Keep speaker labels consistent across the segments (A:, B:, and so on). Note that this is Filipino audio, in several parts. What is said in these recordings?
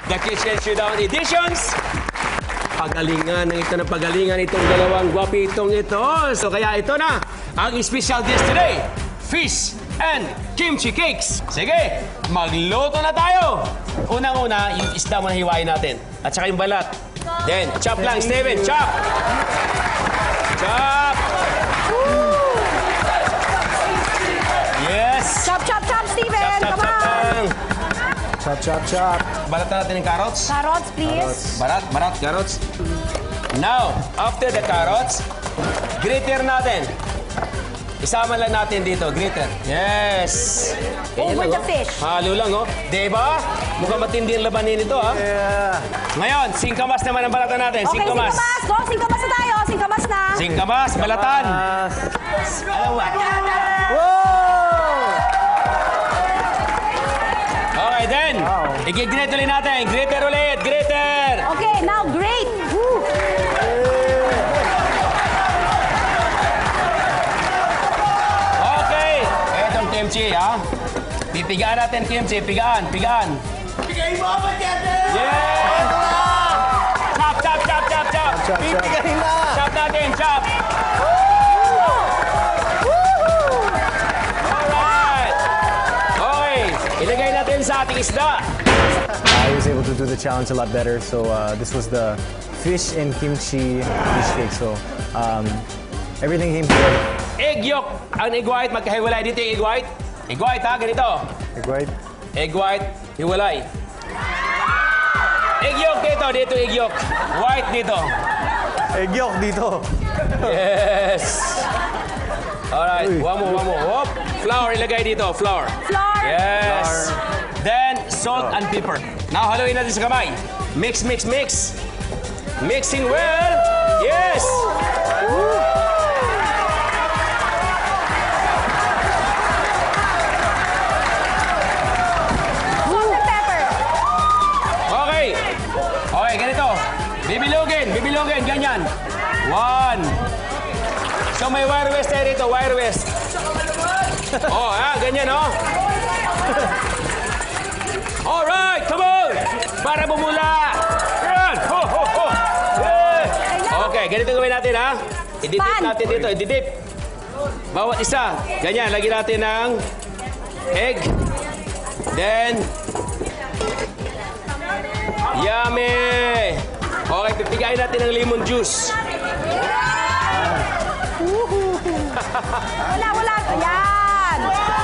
A: The Kitchen Showdown Editions. Pagalingan ng ito ng pagalingan itong dalawang gwapitong ito. So kaya ito na ang special dish today. Fish and kimchi cakes. Sige, magluto na tayo. Unang-una, yung isda mo na hiwain natin. At saka yung balat. Then, chop lang, Steven. Chop! Chop! Yes!
B: Chop, chop, chop, Steven!
A: Chop,
B: Come
A: chop, chop
B: on!
A: lang.
C: Chop, chop, chop.
A: Balat natin yung carrots.
B: Carrots, please.
A: Barat, carrots. Now, after the carrots, grater natin. Isama lang natin dito, grater. Yes!
B: Over
A: Ganyan
B: the
A: lang,
B: fish.
A: Halo lang, oh. Diba? Mukhang matindi ang labanin ito, ha?
C: Yeah.
A: Ngayon, singkamas naman ang balatan natin.
B: Okay, singkamas. Go, singkamas na tayo. Singkamas na.
A: Singkamas, balatan. Alam mo. Okay, then. I-grate ulit natin. Grater ulit. Grater.
B: Okay, now grate. Woo.
A: Okay. Etong kimchi, ha? Pipigaan natin kimchi. Pigaan.
C: Bigay mo ako, Jete!
A: Yeah! Chop, chop, chop, chop, chop.
C: Chop, chop. Bigay na!
A: Chop natin, chop. Alright. Okay. Ilagay natin sa ating isda.
C: I was able to do the challenge a lot better. So this was the fish and kimchi fish cake. So everything came together.
A: Egg yolk. Ang egg white, magkahiwalay dito yung egg white. Egg white, ha? Ganito.
C: Egg white.
A: Egg white, hiwalay. Egg yolk dito egg yolk. White dito.
C: Egg yolk dito.
A: Yes. Alright,
C: Uy.
A: one more. Hop. Flour, ilagay dito. Flour.
B: Flour.
A: Yes. Then, salt and pepper. Now, haluin natin sa kamay. Mix. Mixing well. Yes.
B: Salt and pepper.
A: Okay, ganito. Bibilugin, ganyan. One. So, may wire west tayo dito, wire west. Oh, ganyan, oh. Alright, come on! Para bumula! Yan! Ho! Yeah. Okay, ganito gawin natin, ha? I-dip
B: Pan.
A: natin dito, i-dip. Bawat isa. Ganyan, lagyan natin ng egg. Then, yummy! Okay, pipigayin natin ng lemon juice.
B: Wala. Ayan.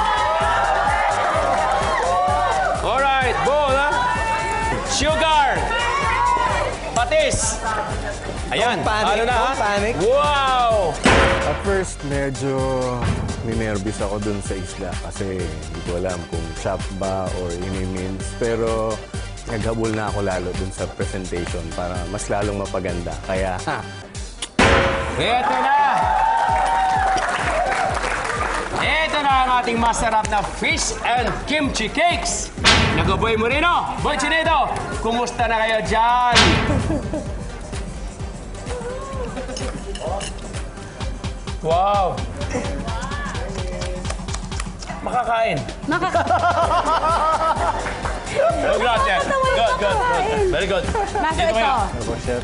A: Alright, bowl, ha? Sugar! Patis! Ayan,
C: Don't panic,
A: ano na, ha?
C: don't panic.
A: Wow!
D: At first, medyo ninervous ako dun sa isla kasi hindi ko alam kung chop ba or ini-mince. Pero naghabol na ako lalo dun sa presentation para mas lalong mapaganda. Kaya,
A: Ito na! Ito na ang ating masarap na fish and kimchi cakes. Nagaboy mo rin, oh! Boy Chinedo, kumusta na kayo dyan? Wow! Makakain. Oh, gracias. Good. Very good.
B: Master,
A: Dito
B: ito.
A: kayo.
C: Ano po, chef?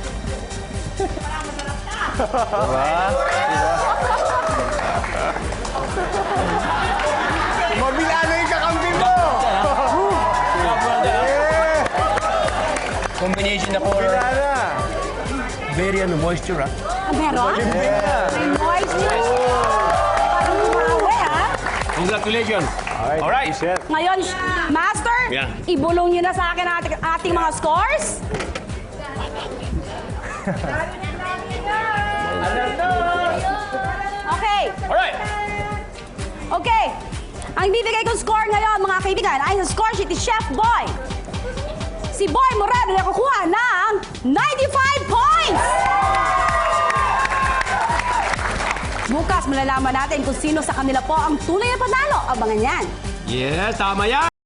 D: mabilano yung kakampi mo!
A: Combination na for very moisture, ah.
B: Meron? May moisture. Parang umawe, ha?
A: Congratulations. Alright.
C: Chef.
B: Ngayon, Master,
A: Yeah.
B: ibulong niyo na sa akin ating mga scores. Okay.
A: Alright.
B: Okay. Ang bibigay kong score ngayon, mga kaibigan, ay sa score sheet ni Chef Boy. Si Boy Moreno nakukuha ng 95 points! Bukas malalaman natin kung sino sa kanila po ang tunay na panalo. Abangan yan.
A: Yes, tama yan.